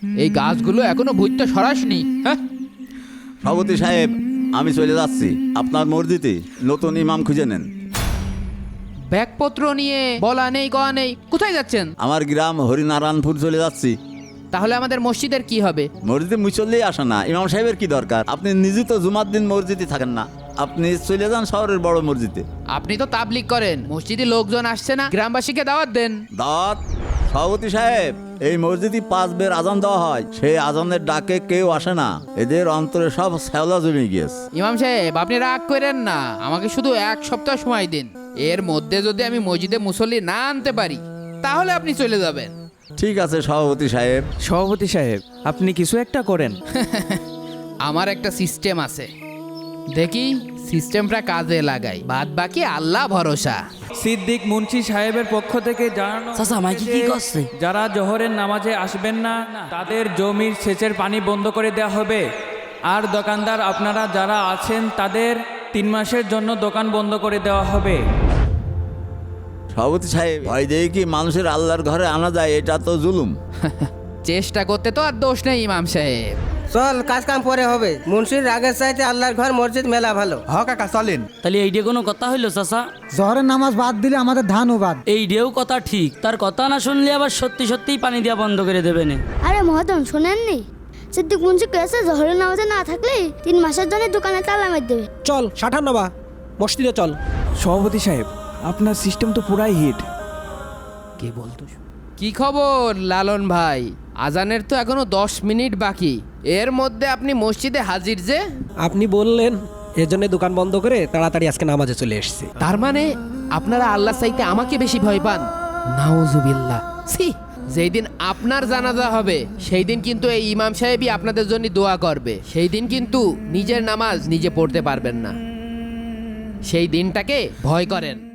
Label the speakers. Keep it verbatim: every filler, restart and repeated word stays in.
Speaker 1: এই গাছগুলো এখনো ভূতটা সরাসনি। হ্যাঁ,
Speaker 2: সভাপতি সাহেব, আমি চলে যাচ্ছি আপনার মসজিদে, নতুন ইমাম খুঁজে নেন।
Speaker 1: ব্যাগপত্র নিয়ে বলা নেই কওয়া নেই, কোথায় যাচ্ছেন?
Speaker 2: আমার গ্রাম হরিনারায়ণপুর চলে যাচ্ছি।
Speaker 1: তাহলে আমাদের মসজিদের কি হবে?
Speaker 2: মসজিদে মুসল্লি আসে না, ইমাম সাহেবের কি দরকার? আপনি নিজে তো জুমার দিন মসজিদে থাকেন না, আপনি চলে যান শহরের বড় মসজিদে।
Speaker 1: আপনি তো তাবলিগ করেন, মসজিদে লোকজন আসছে না, গ্রামবাসীকে দাওয়াত দেন।
Speaker 2: দাওয়াত? সভাপতি সাহেব, এই মসজিদে পাঁচ বের আজান দেওয়া হয়, সেই আজানের ডাকে কেউ আসে না, এদের অন্তরে সব শ্যাওলা জমে গিয়েছে।
Speaker 1: ইমাম সাহেব, আপনি রাগ করেন না, আমাকে শুধু এক সপ্তাহ সময় দিন। এর মধ্যে যদি আমি মসজিদে মুসল্লি না আনতে পারি তাহলে আপনি চলে যাবেন।
Speaker 2: ঠিক আছে সভাপতি সাহেব।
Speaker 3: সভাপতি সাহেব, আপনি কিছু একটা করেন।
Speaker 1: আমার একটা সিস্টেম আছে, দেখি সিস্টেমটা কাজে লাগাই, বাদ বাকি আল্লাহ ভরসা।
Speaker 3: সিদ্দিক মুন্সি সাহেবের পক্ষ থেকে জানানো
Speaker 4: চাচা, মাইকি কি করছে?
Speaker 3: যারা জোহরের নামাজে আসবেন না তাদের জমির সেচের পানি বন্ধ করে দেওয়া হবে। আর দোকানদার আপনারা যারা আছেন তাদের তিন মাসের জন্য দোকান বন্ধ করে দেওয়া হবে।
Speaker 2: সভাপতি সাহেব, ভয় দিয়ে কি মানুষের আল্লাহর ঘরে আনা যায়? এটা তো জুলুম।
Speaker 1: চেষ্টা করতে তো আর দোষ নেই ইমাম সাহেব।
Speaker 5: চল, কাজ কাম পরে হবে। মুন্সির রাগের চাইতে আল্লাহর ঘর মসজিদ মেলা ভালো।
Speaker 6: হ কাকা চলেন।
Speaker 4: তাহলে এইটা কোনো কথা হইলো চাচা?
Speaker 7: জহরের নামাজ বাদ দিলে আমাদের ধানও বাদ।
Speaker 4: এইটাও কথা ঠিক, তার কথা না শুনলে আবার সত্যি সত্যিই পানি দেওয়া বন্ধ করে দেবে না।
Speaker 8: আরে মহাজন, শোনেননি? সিদ্দিক মুন্সি কেসে জহরের নামাজে না থাকলে তিন মাসের জন্য দোকানে তালা মেরে দেবে।
Speaker 5: চল সাঠান্নবা মসজিদে চল।
Speaker 3: সভাপতি সাহেব, আপনার সিস্টেম তো পুরাই হিট।
Speaker 1: কে বলতো? কি খবর লালন ভাই? আজানের তো এখনো দশ মিনিট বাকি, এর মধ্যে আপনি মসজিদে হাজির যে?
Speaker 5: আপনি বললেন, এজন্য দোকান বন্ধ করে তাড়াতাড়ি আজকে নামাজে চলে এসেছি।
Speaker 1: তার মানে আপনারা আল্লাহ চাইতে আমাকে বেশি ভয় পান? নাউজুবিল্লাহ। ছি, যেই দিন আপনার জানাজা হবে সেই দিন কিন্তু এই ইমাম সাহেবই আপনাদের জন্য দোয়া করবে। সেই দিন কিন্তু নিজের নামাজ নিজে পড়তে পারবেন না। সেই দিনটাকে ভয় করেন।